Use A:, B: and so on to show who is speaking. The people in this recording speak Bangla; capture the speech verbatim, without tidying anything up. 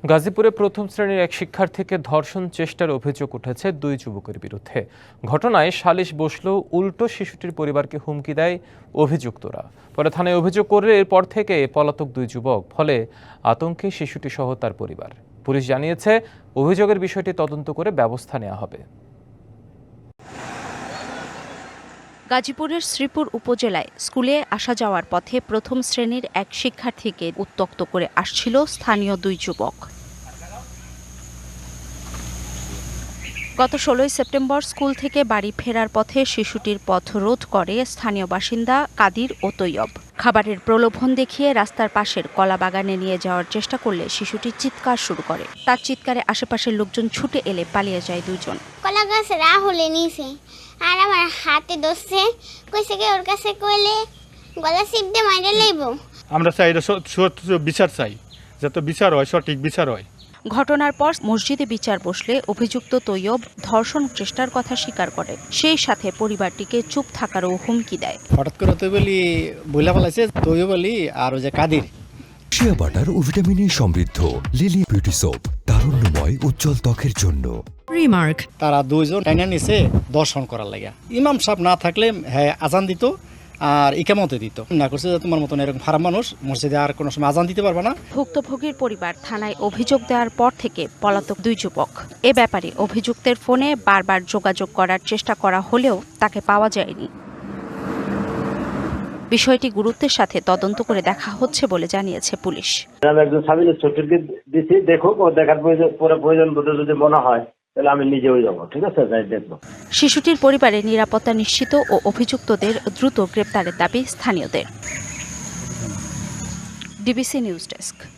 A: গাজীপুরে প্রথম শ্রেণীর এক শিক্ষার্থীকে ধর্ষণ চেষ্টার অভিযোগ উঠেছে দুই যুবকের বিরুদ্ধে। ঘটনায় সালিশ বসলেও উল্টো শিশুটির পরিবারকে হুমকি দেয় অভিযুক্তরা। পরে থানায় অভিযোগ করলে এরপর থেকে পলাতক দুই যুবক, ফলে আতঙ্কে শিশুটি সহ তার পরিবার। পুলিশ জানিয়েছে, অভিযোগের বিষয়টি তদন্ত করে ব্যবস্থা নেওয়া হবে।
B: গাজীপুরের শ্রীপুর উপজেলায় স্কুলে আসা যাওয়ার পথে প্রথম শ্রেণীর এক শিক্ষার্থীকে উত্ত্যক্ত করে আসছিল স্থানীয় দুই যুবক। গত ষোলোই সেপ্টেম্বর স্কুল থেকে বাড়ি ফেরার পথে শিশুটির পথ রোধ করে স্থানীয় বাসিন্দা কাদির ও তৈয়ব। খাবারের প্রলোভন দেখিয়ে রাস্তার পাশের কলা বাগানে নিয়ে যাওয়ার চেষ্টা করলে শিশুটি চিৎকার শুরু করে। তার চিৎকারে আশেপাশের লোকজন ছুটে এলে পালিয়ে যায় দুজন।
C: কলা গাছ রাহুলে নিছে আর আমার হাতে ধরছে, কইছে কি ওর কাছে কইলে গলা চিপতে মাইরে লইব।
D: আমরা চাই বিচার চাই, যাতে বিচার হয়, সঠিক বিচার হয়।
B: ঘটনার পর মসজিদে বিচার বসলে অভিযুক্ত তৈয়ব ধর্ষণ চেষ্টার কথা স্বীকার করে, সেই সাথে পরিবারটিকে চুপ থাকারও হুমকি দেয়।
E: হঠাৎ করে তো বলি বইলা ফেলাইছে তৈয়ব বলি আর ওই যে কাদির।
F: শিয়া বাটার ও ভিটামিনে সমৃদ্ধ লিলি বিউটি সোপ, তারুণ্যময় উজ্জ্বল ত্বকের জন্য।
G: রিমার্ক,
E: তারা দুইজন টাইনা নিছে দর্শন করার লাগা। ইমাম সাহেব না থাকলে হ্যাঁ আজান দিত আর ইকামতে দিত না। করছে যে তোমার মতন এরকম খারাপ মানুষ মসজিদে আর কোনো সময় আজান দিতে পারবে না।
B: ভুক্তভোগীর পরিবার থানায় অভিযোগ দেওয়ার পর থেকে পলাতক দুই যুবক। এ ব্যাপারে অভিযুক্তের ফোনে বারবার যোগাযোগ করার চেষ্টা করা হলেও তাকে পাওয়া যায়নি। বিষয়টি গুরুত্বের সাথে তদন্ত করে দেখা হচ্ছে বলে জানিয়েছে পুলিশ।
H: আমি একজন সাবিল ছোটকে দিচ্ছি, দেখো ও দেখার পরে প্রয়োজন বোধ যদি মনে হয় তাহলে আমি নিজেও যাবো। ঠিক আছে, যাই দেখবো।
B: শিশুটির পরিবারের নিরাপত্তা নিশ্চিত ও অভিযুক্তদের দ্রুত গ্রেপ্তারের দাবি স্থানীয়দের। DBC news desk.